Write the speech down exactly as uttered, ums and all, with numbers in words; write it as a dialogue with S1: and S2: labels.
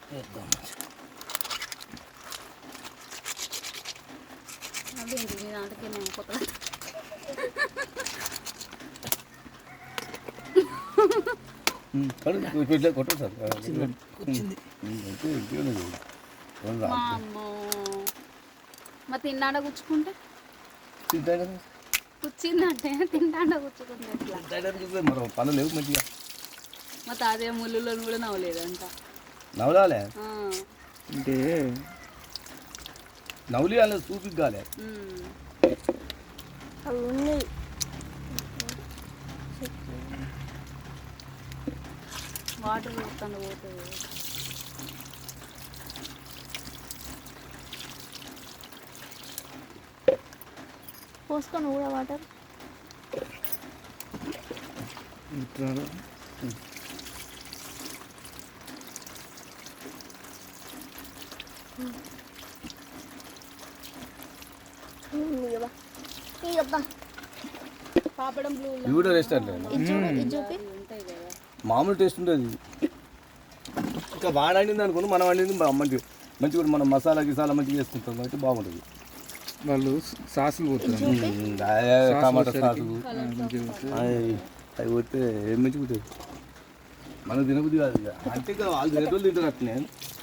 S1: అదేంటి నీ దాంట్లోకి నేను కొత్త
S2: కొట్టు సార్
S1: మా తిన్నాడ కూర్చుకుంటే
S2: తింటాడు
S1: కూర్చిందంటే తింటాడ కూర్చుకుంటే ఎట్లా
S2: మరో పనులు లేవు మంచిగా
S1: మా తాతయ్య ముళ్ళులో కూడా నవ్వలేదంట
S2: నవ్వులాలే
S3: అంటే
S2: నవ్వులి అలా చూపి కాలే
S4: అవి ఉన్నాయి
S1: వాటర్ పోతాను పోతుంది
S4: పోసుకొని కూడా వాటర్
S3: ఇట్లా
S1: పాపడం బ్లూ
S2: ఇవి కూడా రెస్టారెంట్
S1: ఉంటాయి కదా
S2: మామూలు టేస్ట్ ఉంటుంది ఇంకా బాగా వండింది అనుకోండి మనం వండింది మంచి మంచిగా మనం మసాలా గిసాలా మంచిగా చేసుకుంటాం కాబట్టి బాగుంటుంది
S3: వాళ్ళు సాసులు పోతారు
S2: టమాటా సాసు అవి పోతే ఏం మంచిగా ఉంటుంది మనకు తినబుద్ధి కాదు ఇక అంటే ఇక వాళ్ళు తినేటోళ్ళు తింటారు అట్లనే